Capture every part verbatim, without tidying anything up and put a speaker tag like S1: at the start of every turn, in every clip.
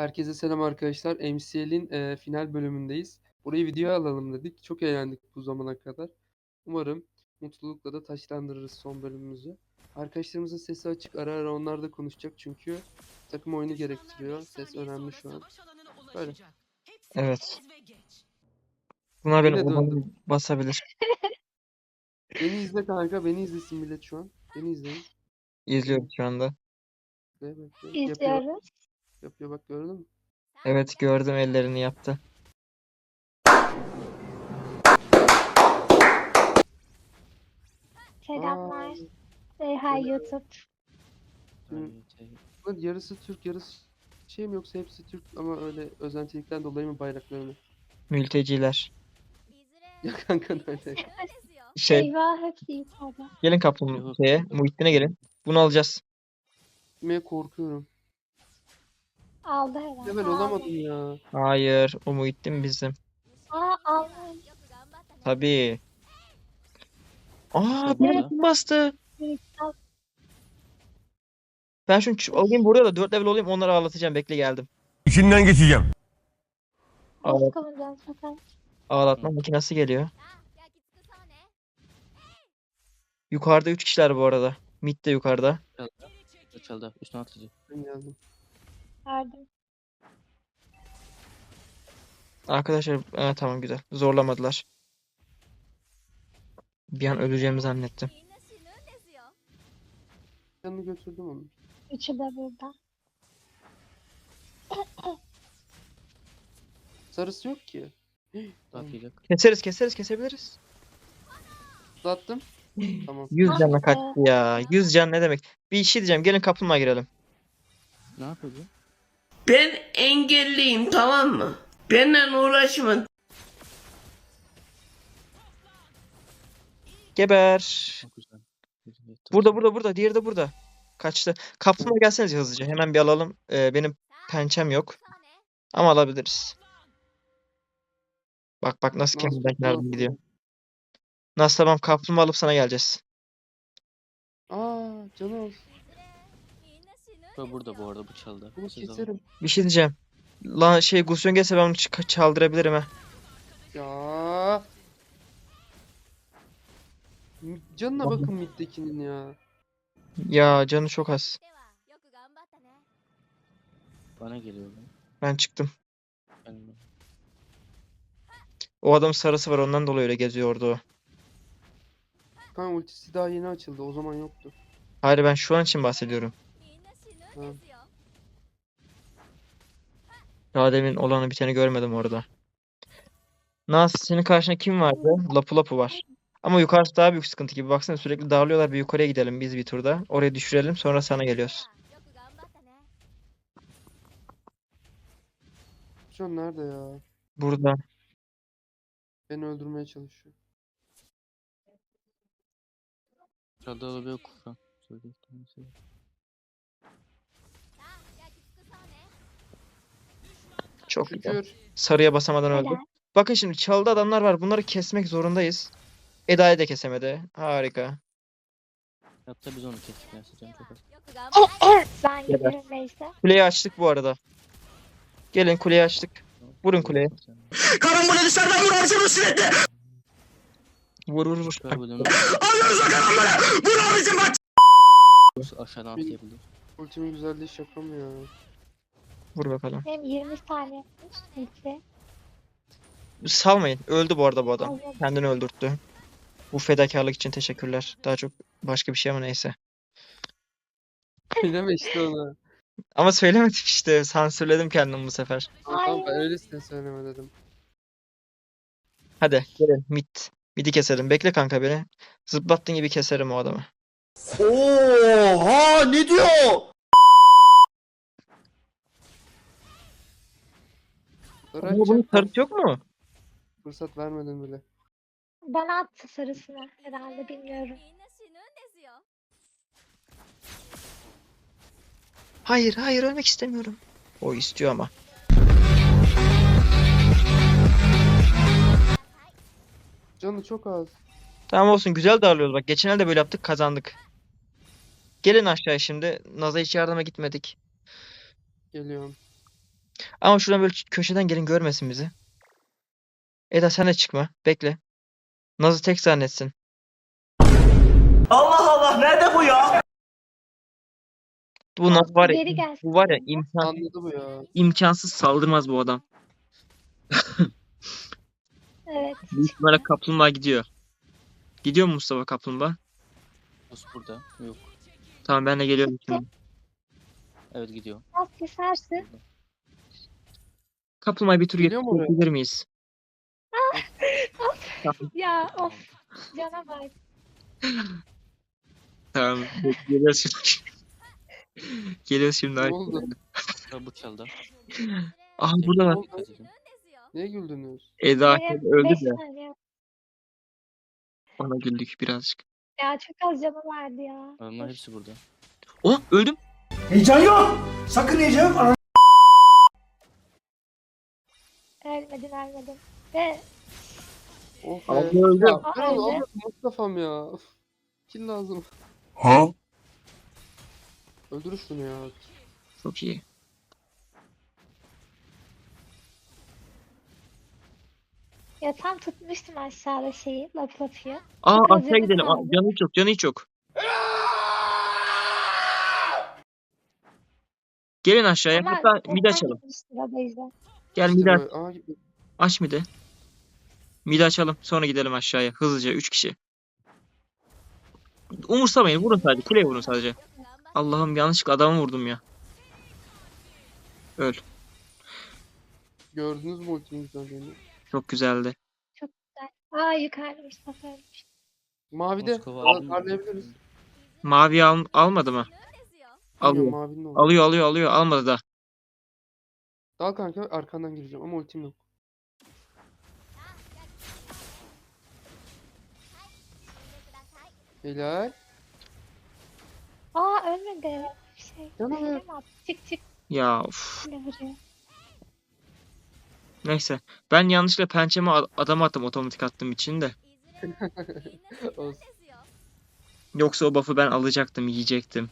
S1: Herkese selam arkadaşlar. M C L'in e, final bölümündeyiz. Burayı videoya alalım dedik. Çok eğlendik bu zamana kadar. Umarım mutlulukla da taçlandırırız son bölümümüzü. Arkadaşlarımızın sesi açık. Ara ara onlar da konuşacak çünkü takım oyunu gerektiriyor. Ses önemli şu an. Böyle.
S2: Evet. Bunlar beni
S1: Yine döndüm.
S2: umarım basabilir.
S1: Beni izle kanka. Beni izlesin millet şu an. Beni izleyin.
S2: İzliyorum şu anda.
S1: Bekle, bekle. Yapıyor.
S3: İzliyoruz.
S1: Yapıyor bak gördün mü?
S2: Evet gördüm ellerini yaptı.
S3: Selamlar.
S1: Aa,
S3: Say hi YouTube.
S1: bunun yarısı Türk yarısı şey mi yoksa hepsi Türk ama öyle özentilikten dolayı mı bayraklarını?
S2: Mülteciler.
S1: Ya kanka öyle.
S2: Şey
S3: Eyvah hepsi yukarıda.
S2: gelin kapının şeye, Muhittin'e gelin. Bunu alacağız.
S1: Gitmeye korkuyorum.
S3: Aldı herhalde.
S1: Level olamadım ya.
S2: Hayır, o Muhittin bizim.
S3: Aa aldı.
S2: Tabii. Aa,
S4: Tabii
S2: beni
S4: ya.
S2: kim bastı?
S3: Al.
S2: Ben şunu ç- alayım buraya da dört level olayım, onları ağlatacağım. Bekle geldim.
S5: İçinden geçeceğim.
S2: Ağlat,
S3: Nasıl kalacağız bakalım.
S2: ağlatma makinesi geliyor. Yukarıda üç kişiler bu arada. Mid de yukarıda.
S4: Açıldı. Üstüne atlayacak.
S1: Ben geldim.
S3: Verdim.
S2: Arkadaşlar, evet, tamam güzel. Zorlamadılar. Bir an öleceğimi zannettim.
S1: Canını götürdüm onu.
S3: Üçü de burada.
S1: Sarısı yok ki.
S4: Atlayacak.
S2: Keseriz, keseriz, kesebiliriz.
S1: Uzattım. Tamam.
S2: yüz
S3: Ah
S2: canla
S3: be.
S2: kaçtı ya. yüz can ne demek? Bir şey diyeceğim. Gelin kaplumbağa girelim.
S4: Ne yapıyor bu?
S6: Ben engelliyim, tamam mı? Benden uğraşma.
S2: Geber.
S4: Çok güzel. Güzel.
S2: Burada, burada, burada. Diğeri de burada. Kaçtı. Kaplumbağa gelsenize hızlıca. Hemen bir alalım. Ee, benim pençem yok. Ama alabiliriz. Bak bak nasıl
S1: Nasıl
S2: kendinden
S1: tuttu
S2: kenardan
S1: nasıl?
S2: gidiyor. Nasıl, tamam, kaplumbağa alıp sana geleceğiz.
S1: Aa canı az.
S4: Bu burada bu arada bu çaldı.
S1: Bunu
S4: Siz alın.
S1: keserim.
S2: Bir şey diyeceğim. Lan şey Gusyon gelse ben onu ç- çaldırabilirim ha.
S1: Ya. Canına
S2: Vallahi.
S1: bakın middekinin ya.
S2: Ya canı çok az.
S4: Bana geliyor bu.
S2: Ben çıktım.
S4: Ben
S2: O adam sarısı var, ondan dolayı öyle geziyor orada o.
S1: Kanka ultisi daha yeni açıldı. O zaman yoktu.
S2: Hayır, ben şu an için bahsediyorum.
S1: Ha.
S2: Daha demin olanı biteni görmedim orada. Nas, senin karşında kim vardı? Lapu Lapu var. Ama yukarısı daha büyük sıkıntı gibi. Baksana sürekli dağılıyorlar. Bir yukarıya gidelim biz bir turda. Oraya düşürelim, sonra sana geliyoruz.
S1: Şu an nerede ya?
S2: Burada.
S1: Beni öldürmeye çalışıyor.
S4: çaldı olabilir kufran. Söyleyeyim.
S2: Çok güzel.
S1: Şükür.
S2: Sarıya basamadan öldü.
S3: Helal.
S2: Bakın şimdi çaldı adamlar var. Bunları kesmek zorundayız. Eda'yı da kesemedi. Harika.
S4: Hatta biz onu kestik. Neyse canım çok az.
S3: Ben gidiyorum neyse.
S2: Kuleyi açtık bu arada. Gelin, kuleyi açtık. Vurun kuleye.
S5: Karım bunu dışarıdan vur abicim sürekli.
S2: Vur vur vur.
S4: Süper bölümü
S5: Alıyoruz o karım bunu. Vur abicim bak.
S4: aşağıdan atlayabilir.
S1: Ultimin güzelliği şaka mı ya?
S2: Vur bakalım.
S3: Benim yirmi saniye yapmış. Neyse.
S2: Salmayın. Öldü bu arada bu adam.
S3: Aldım.
S2: Kendini öldürttü. Bu fedakarlık için teşekkürler. Daha çok başka bir şey ama neyse.
S1: Söyleme işte onu.
S2: Ama söylemedim işte. Sansürledim kendimi bu sefer.
S1: Tamam ben öylesine söyleme dedim.
S2: Hadi gelin mid. Mid'i keselim. Bekle kanka beni. Zıplattığın gibi keserim o adamı.
S5: Oha ne diyor?
S1: Sarı
S2: Ama bunun
S1: açacak.
S2: sarısı yok mu?
S1: Fırsat vermedin bile.
S3: Bana attı sarısını herhalde bilmiyorum.
S2: Hayır hayır, ölmek istemiyorum. O istiyor ama.
S1: Canı çok az.
S2: Tamam olsun, güzel darlıyoruz. Bak geçen elde böyle yaptık, kazandık. Gelin aşağıya şimdi. Naz'a hiç yardıma gitmedik.
S1: Geliyorum.
S2: Ama şuradan böyle köşeden gelin görmesin bizi. Eda sen de çıkma. Bekle. Naz'ı tek zannetsin.
S5: Allah Allah nerede bu ya?
S2: Bu Naz var ya.
S3: Geri gelsin.
S2: Bu var ya imkan,
S1: Anladı bu ya.
S2: imkansız saldırmaz bu adam.
S3: Evet.
S2: Büyük ihtimalle kaplumbağa gidiyor. Gidiyor mu Mustafa kaplumbağa?
S4: Buz burada. Yok.
S2: Tamam ben de geliyorum şimdi.
S4: Evet gidiyor.
S3: Az kesersin.
S2: Kaplumbağayı bir tur
S1: Geliyor mu oraya?
S2: getirebilir miyiz?
S3: Ya of. Cana bak.
S2: Tamam. Geliyoruz şimdi. Geliyoruz şimdi.
S1: Ne oldu?
S4: Sıra bu çaldı.
S2: Aha burada var.
S1: oldu? Niye güldünüz?
S2: Eda
S3: Benim
S2: öldü
S3: beş
S2: de.
S3: saniye.
S2: Ona güldük birazcık.
S3: Ya çok az canım vardı ya.
S4: Adamlar hepsi burada.
S2: Oh öldüm.
S5: Heyecan yok. Sakın heyecan yok. Ana-
S3: Ölmedin ölmedin. Ve
S1: Oh be.
S2: Abla öldü.
S1: Ya, ben
S3: Aa,
S1: onu
S3: öldü.
S1: almadım Mustafa'm ya. Of. Kill lazım.
S5: Ha?
S1: Öldür şunu ya.
S2: Çok iyi.
S3: ya tam tutmuştum aşağıda şeyi. Lap lapıyı.
S2: Aa
S3: Çok az
S2: aşağı
S3: canım
S2: gidelim. Aa,
S3: kaldı.
S2: canı hiç yok. Canı hiç yok. Gelin aşağıya.
S3: Ama
S2: Hatta mid
S3: çoktan
S2: açalım.
S3: gitmiştir o yüzden.
S2: Gel
S1: İşte
S2: mid aç.
S1: böyle. Aa, gitti.
S2: Aç mid'i. Mid'i açalım. Sonra gidelim aşağıya. Hızlıca. Üç kişi. Umursamayın. Vurun sadece. Kuleye vurun sadece. Allah'ım yanlışlıkla adamı vurdum ya. Öl.
S1: Gördünüz mü ultimin güzelliğini?
S2: Çok güzeldi.
S3: Çok güzel. Aa yukarıda Mustafa ölmüş.
S1: Mavide.
S4: Moskova
S1: Al-
S4: aldı mı?
S1: Parlayabiliriz.
S2: Mavi al almadı mı?
S1: Alıyor.
S2: Alıyor.
S1: Mavinin oldu.
S2: Alıyor alıyor alıyor. Almadı da.
S1: Dal kanka arkandan gireceğim ama ultim yok. Helal.
S3: Aa ölmedi. Bir şey.
S1: Canım.
S3: Öyle mi attı? Çık çık.
S2: Ya of.
S3: Ne vuruyor?
S2: Neyse. Ben yanlışlıkla pençeme ad- adama attım otomatik attığım için de.
S1: Olsun.
S2: Yoksa o buff'ı ben alacaktım, yiyecektim.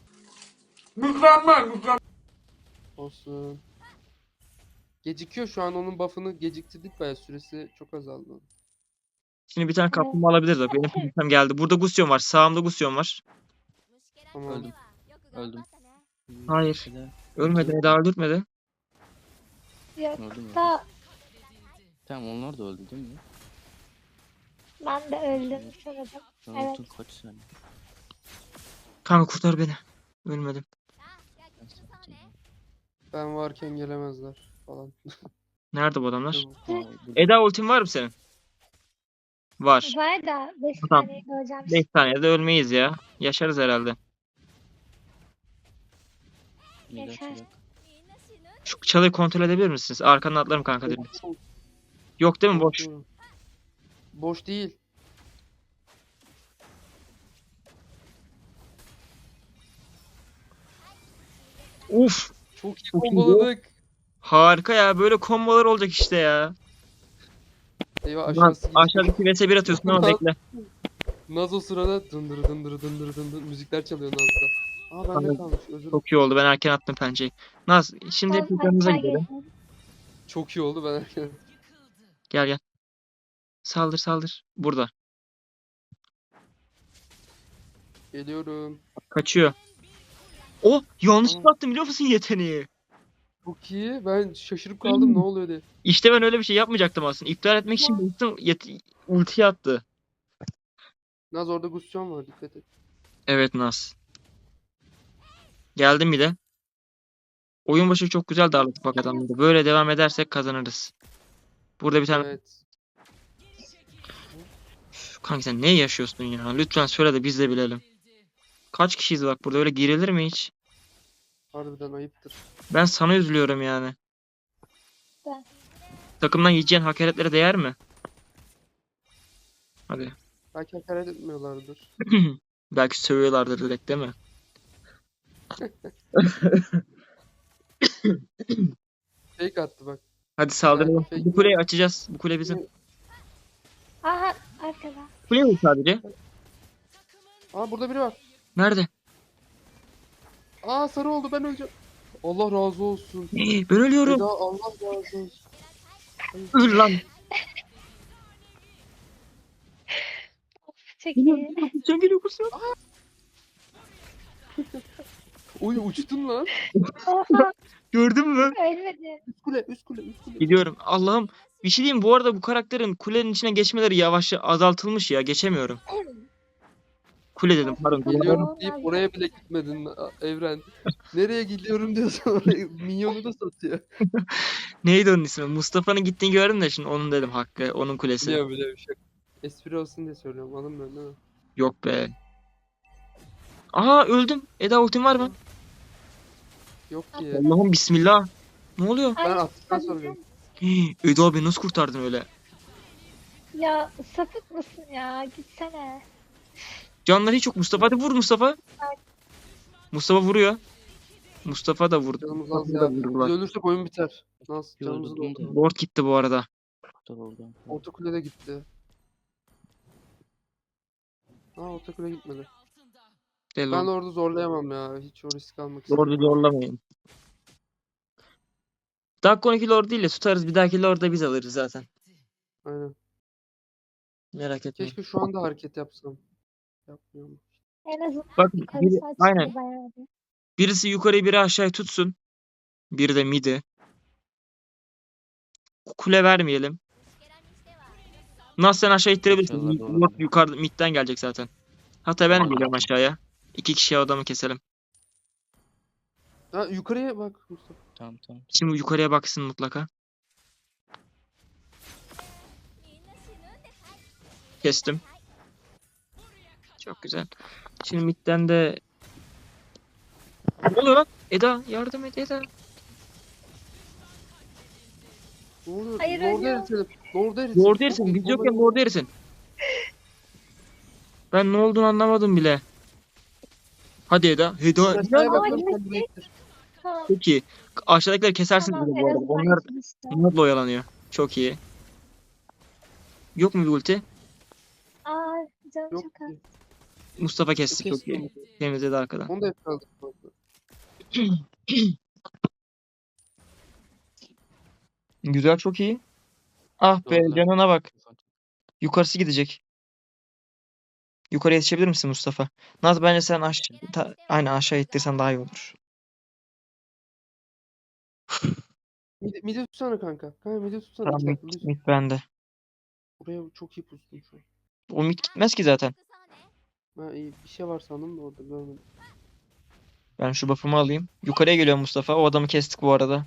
S1: Olsun. Gecikiyor şu an onun buff'ını geciktirdik bayağı süresi çok azaldı.
S2: Şimdi bir tane kaplumbağa alabiliriz bak. Benim pençem geldi. Burada Gusion var. Sağımda Gusion var.
S1: Tamam.
S4: Öldüm. Öldüm.
S2: Hayır.
S4: Eda.
S2: Ölmedi. Eda öldürtmedi.
S3: Yok
S4: Öldü mü?
S3: da
S4: Tamam onlar da öldü değil mi?
S3: ben de öldüm sanırım.
S4: Sen
S3: Evet.
S4: öldün kaç saniye?
S2: Kanka kurtar beni. Ölmedim.
S4: Ben sattım.
S1: Ben varken gelemezler falan.
S2: Nerede bu adamlar?
S4: Aa, burada.
S2: Eda ultin var mı senin? Var.
S3: Var da beş
S2: Tamam.
S3: saniye göreceğim.
S2: beş saniyede ölmeyiz ya. Yaşarız herhalde.
S4: Mide
S3: Yaşar.
S4: açacak.
S2: Şu çalıyı kontrol edebilir misiniz? Arkandan atlarım kanka direkt. Yok değil mi? Boş.
S1: Boş değil.
S2: Uf.
S1: Çok iyi
S2: Çok iyi.
S1: komboladık.
S2: Harika ya. Böyle kombolar olacak işte ya.
S1: Eyvah
S2: Ulan
S1: aşağısı gitti.
S2: aşağıdaki vs bir atıyorsun ama bekle.
S1: Naz o sırada dındır dındır dındır dındır müzikler çalıyor Naz'da. Aa bende
S2: Anladım.
S1: kalmış özür dilerim.
S2: Çok iyi oldu. Ben erken attım pençeyi. Naz şimdi
S3: Ben
S2: hep yanınıza
S3: aşağı
S2: gidelim.
S3: geliyorum.
S1: Çok iyi oldu ben erken.
S2: Gel gel. Saldır saldır. Burada.
S1: Geliyorum.
S2: Kaçıyor. Oh yanlışlıkla
S1: Tamam.
S2: attım biliyor musun yeteneği?
S1: Çok iyi. Ben şaşırıp kaldım ne oluyor diye.
S2: İşte ben öyle bir şey yapmayacaktım aslında. İptal etmek için baktım yet- ultiyi attı.
S1: Naz orada Gusion var dikkat et.
S2: Evet Naz. Geldim bir de. Oyun başı çok güzel darladık bak adamları. Böyle devam edersek kazanırız. Burada bir tane...
S1: Evet.
S2: Üf, kanka sen ne yaşıyorsun ya? Lütfen söyle de biz de bilelim. Kaç kişiyiz bak burada öyle girilir mi hiç?
S1: Harbiden ayıptır.
S2: Ben sana üzülüyorum yani.
S3: Ben.
S2: Takımdan yiyeceğin hakaretlere değer mi? Hadi.
S1: Belki hakaret etmiyorlardır.
S2: Belki sövüyorlardır direkt değil mi?
S1: Fake attı bak.
S2: Hadi saldıralım.
S1: Yani
S2: Bu kuleyi açacağız. Bu kule bizim.
S3: Aha arkada.
S2: Kule mi sadece?
S1: Aa burada biri var.
S2: Nerede?
S1: Aa sarı oldu ben öleceğim. Allah razı olsun.
S2: Ben ölüyorum.
S1: Eda Allah razı olsun.
S2: Öl lan.
S3: Çok
S2: Geliyor,
S3: iyi.
S2: geliyor, Gülcan geliyor Gülcan.
S1: Oy uçtun lan.
S3: Oha
S2: Gördün mü?
S3: ölmedi.
S1: Üst kule üst kule üst kule.
S2: Gidiyorum. Allah'ım. Bir şey diyeyim, bu arada bu karakterin kulenin içine geçmeleri yavaşça azaltılmış ya. Geçemiyorum. Kule dedim pardon.
S3: Geliyorum.
S1: Geliyorum deyip oraya bile gitmedin a- Evren. Nereye gidiyorum diyorsan oraya minyonu da satıyor.
S2: Neydi onun ismi? Mustafa'nın gittiğini gördüm de şimdi onun dedim hakkı. Onun kulesi.
S1: Biliyorum biliyorum bir şey. Espri olsun diye söylüyorum anlamıyorum değil mi?
S2: Yok be. Aha öldüm. Eda ultim var mı?
S1: Yok ki.
S2: Allah'ım bismillah. Ne oluyor?
S1: Ben
S3: Ay,
S1: attıktan
S3: hadi
S1: sonra gördüm.
S2: Hii, Eda beni nasıl kurtardın öyle?
S3: Ya sapık mısın ya? Gitsene.
S2: Canları hiç yok. Mustafa hadi vur Mustafa. Mustafa vuruyor. Mustafa da vurdu.
S1: Canımız az
S2: Mustafa'yı da
S1: ya. Biz
S2: vurdular.
S1: ölürsek oyun biter. Nasıl
S4: Gördüm
S1: canımızı
S4: de.
S1: doldu.
S2: Lord gitti bu arada.
S4: Kurtar oradan.
S1: Orta kule de gitti. Aa orta kule gitmedi.
S2: De
S1: Ben
S2: Lord.
S1: orada zorlayamam ya. Hiç o risk almak istemiyorum.
S2: Lord'u zorlamayın. Dakika on iki Lord değil de tutarız. Bir dahaki Lord'u da biz alırız zaten.
S1: Aynen.
S2: Merak etmeyin.
S1: Keşke şu anda hareket yapsam. Yapmıyorum.
S3: En azından
S2: Bak
S3: yukarısı
S2: biri,
S3: açıldı
S2: aynen.
S3: bayağı bir.
S2: Birisi yukarıyı biri aşağıya tutsun. Biri de midi. Kule vermeyelim. Nasıl sen aşağı ittirebilirsin.
S4: İnşallah doğru.
S2: Lord yukarıda midden gelecek zaten. Hatta ben de geliyorum aşağıya. İki kişiye adamı keselim.
S1: Ha yukarıya bak Mustafa.
S4: Tamam tamam.
S2: Şimdi yukarıya baksın mutlaka. Kestim. Çok güzel. Şimdi midden de... Ne oluyor lan? Eda yardım et Eda.
S1: Ne oluyor?
S3: Hayır,
S1: Lord'u
S3: ölüyor.
S1: eritelim. Lord'u eritelim.
S2: Lord erisin. Biz yokken Lord erisin. Ben ne olduğunu anlamadım bile. Hadi Eda. Eda.
S1: Aşağıya
S2: Eda.
S1: bakıyorum,
S3: Ay,
S1: sen buraya ittir.
S3: Tamam.
S2: Çok iyi. Aşağıdakileri kesersin
S3: Tamam,
S2: bile
S3: en
S2: bu arada.
S3: azından
S2: Onlar
S3: ikimiz de.
S2: Bunlarla oyalanıyor. Çok iyi. Yok mu bir ulti?
S3: Aa canım
S1: Yok
S3: çok az.
S1: ki.
S2: Mustafa kesti. Çok
S1: Kestim.
S2: iyi. Temizledi arkadan.
S1: Onu da yakaladık. bu arada.
S2: Güzel, çok iyi. Ah be,
S4: Doğrular.
S2: canına bak. Yukarısı gidecek. Yukarı yetişebilir misin Mustafa? Naz bence sen aşağı, ta- aynen aşağı ittirsen daha iyi olur.
S1: Midi, midi tutsana kanka. Kanka midi tutsana.
S2: Tamam,
S1: İki
S2: mid,
S1: dakika, lütfen.
S2: mid bende.
S1: Buraya çok iyi pustum şu an.
S2: O mid gitmez ki zaten.
S1: Ha iyi bir şey var sandım da orada görmedim.
S2: Ben şu buff'ımı alayım. Yukarıya geliyor Mustafa. O adamı kestik bu arada.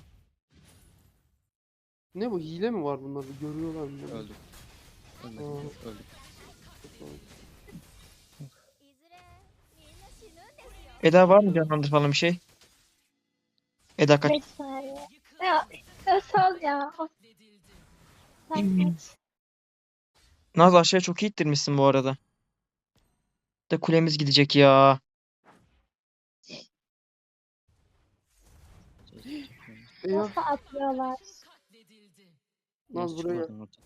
S1: Ne bu hile mi var bunlarda? Görüyorlar mı? bunu?
S4: Öldüm. Ölmedim.
S1: Aa.
S4: Öldüm.
S2: Eda var mı canlandır falan bir şey? Eda kaç.
S3: beş saniye. Ya Özal ya. Of. Sen kaç.
S2: Naz aşağıya çok iyi ittirmişsin bu arada. De kulemiz gidecek ya.
S1: Eyvah.
S3: Nasıl atlıyorlar?
S1: Naz buraya gel.
S4: Çıkmadım orada.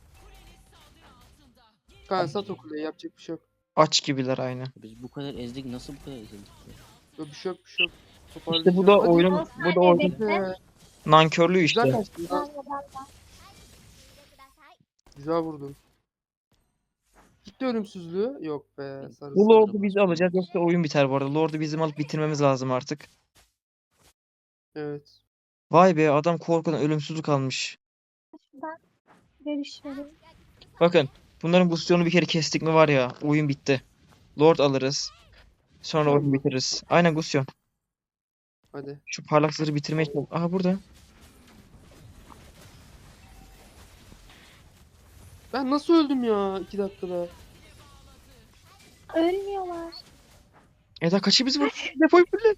S1: Kanka sat o kuleyi yapacak bir şey yok.
S2: Aç gibiler aynı.
S4: Biz bu kadar ezdik, nasıl bu kadar ezildik? ya?
S1: Yok bir şey yok bir şey yok.
S2: İşte bu da
S1: Toparlayacağım. Hadi.
S2: oyunun
S3: on
S2: bu da
S3: saniye
S2: oyunun
S3: bekle.
S1: Be.
S2: nankörlüğü
S1: Güzel
S2: işte.
S1: kaçtın.
S3: Ben
S1: Naz.
S3: de ben de.
S1: Güzel vurdun. Gitti ölümsüzlüğü. Yok be. Sarısı.
S2: Bu Lord'u biz alacağız yoksa oyun biter bu arada. Lord'u bizim alıp bitirmemiz lazım artık.
S1: Evet.
S2: Vay be, adam korkudan ölümsüzlük almış.
S3: Şuradan görüş vereyim.
S2: Bakın bunların Gustion'u bir kere kestik mi var ya, oyun bitti. Lord alırız. Sonra
S1: Gusyon
S2: oyun
S1: mu?
S2: bitiririz. Aynen Gustion.
S1: Hadi.
S2: Şu parlak zırhı bitirmeye çalış. Aha burada.
S1: Ben nasıl öldüm ya iki dakikada?
S3: Ölmüyorlar.
S2: Eda kaçı biz vur. Defoyu fulle.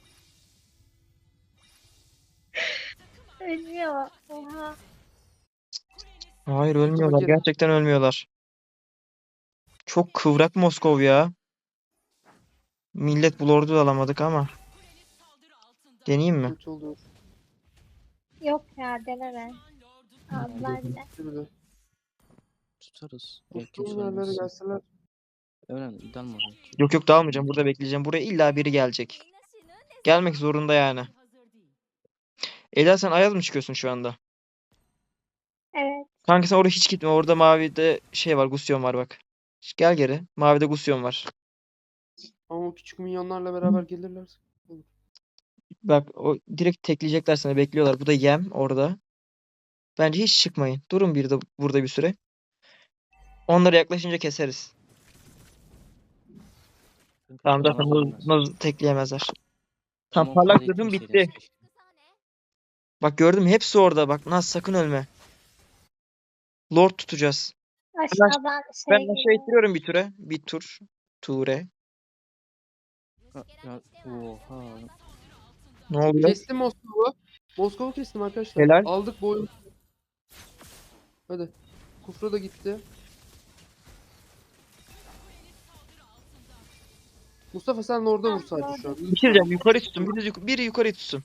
S3: Ölmüyor. Oha.
S2: Hayır ölmüyorlar.
S1: geri.
S2: Gerçekten ölmüyorlar. Çok kıvrak Moskov ya. Millet bu Lord'u da alamadık ama. Deneyeyim mi?
S1: Kötü oldu.
S3: Yok ya deneme. Aldılar bile.
S1: Bir de.
S4: Tutarız.
S1: Bu
S4: Evet, kimse
S1: son yerlere
S4: ölmez.
S1: gelseler.
S4: Öğren, idam mı oraya?
S2: Yok yok dağılmayacağım. Burada bekleyeceğim. Buraya illa biri gelecek. Gelmek zorunda yani. Eda sen Ayaz mı çıkıyorsun şu anda?
S3: Evet.
S2: Kanka sen oraya hiç gitme. Orada mavide şey var. Gusyon var bak. Gel geri. Mavide Gusyon var.
S1: Ama o küçük minyonlarla beraber gelirler.
S2: Bak o direkt tekleyecekler seni. Bekliyorlar. Bu da yem orada. Bence hiç çıkmayın. Durun bir de burada bir süre. Onlara yaklaşınca keseriz. Tamam zaten
S4: Tamam,
S2: Nuz, Nuz tekleyemezler. Tam
S4: Ama o
S2: parlak
S4: kadar
S2: dedim bitti.
S4: etmeseydiniz keşke.
S2: Bak gördün mü? Hepsi orada. Bak Naz sakın ölme. Lord tutacağız.
S3: Aşağıdan şey
S2: Ben aşağı
S3: geliyor.
S2: ittiriyorum bir ture. Bir tur. Ture.
S4: Ha, ya, oha.
S2: Ne oluyor?
S1: Kestim Moskova'yı. Moskova kestim arkadaşlar.
S2: Helal.
S1: Aldık bu oyunu. Hadi. Kufra da gitti. Mustafa sen orada vur sadece şu an.
S2: Bir şey diyeceğim. Yukarı tutsun. Biri, yuk- biri yukarı tutsun.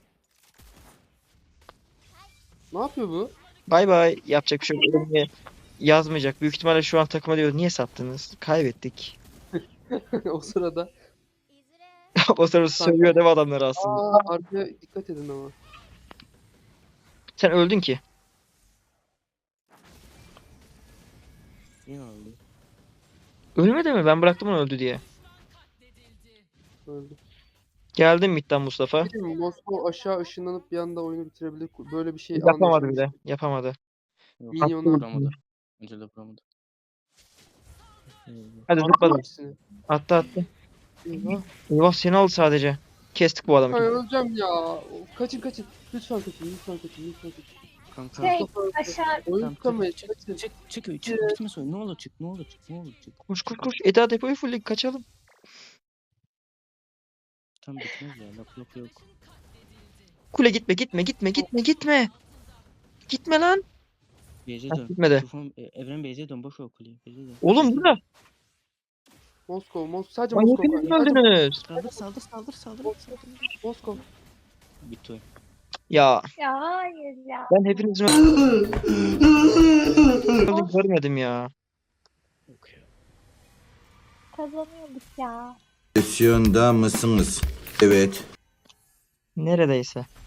S1: Ne yapıyor bu?
S2: Bay bay. Yapacak bir şey yok. Ölmeye yazmayacak. Büyük ihtimalle şu an takıma diyor. Niye sattınız? Kaybettik.
S1: O sırada.
S2: O sırada sövüyor değil mi adamları aslında?
S1: Aa, arkaya dikkat edin ama.
S2: Sen öldün ki.
S4: Yine oldu.
S2: Ölmedi mi? Ben bıraktım onu öldü diye.
S1: Öldü.
S2: Geldim midden Mustafa.
S1: Değil mi? Moskova aşağı ışınlanıp bir anda oyunu bitirebilir. Böyle bir şey
S2: Yapamadı
S1: anlaşılmış.
S2: bile. Yapamadı.
S4: Yok,
S1: Minyonlar.
S4: vuramadı. Önce de vuramadı.
S2: Hadi
S1: Attı
S2: zıpladım.
S1: hepsini.
S2: Attı attı.
S1: Eyvah.
S2: Eyvah seni aldı sadece. Kestik bu adamı.
S1: Ay öleceğim ya. Kaçın kaçın. Lütfen kaçın. Lütfen kaçın. Lütfen kaçın.
S4: Kanka.
S3: Şey
S1: Mustafa öldü.
S3: aşağı
S1: Oyun
S4: Tamam,
S1: tutamayız.
S4: çık,
S1: Kaçın.
S4: çık, çık, çık, çık, bitmez oyun. Ne olur çık, ne olur çık, ne olur çık.
S2: Koş koş koş. Eda depoyu full kaçalım.
S4: Tam bitmez ya, laf laf yok.
S2: Kule gitme gitme gitme gitme gitme. Gitme lan.
S4: Beyze
S2: Ha,
S4: dön.
S2: gitmedi.
S4: Tufan, e, Evren Beyze dön, boş ver kuleyi. Beyze dön.
S2: Oğlum
S4: Beyze
S2: burada.
S4: dön.
S1: Moskova. Moskova. Sadece
S2: Ay
S1: Moskova.
S2: hepiniz mi
S1: Sadece
S2: öldünüz?
S4: Saldır, saldır, saldır, saldır, saldır.
S1: Moskova.
S4: Bitti oyun.
S2: Ya
S3: ya hayır ya.
S2: ben hepinizin öldüğünü görmedim ya.
S4: Yok ya.
S3: Kazanıyorduk ya.
S5: Pozisyonda mısınız? Evet.
S2: Neredeyse.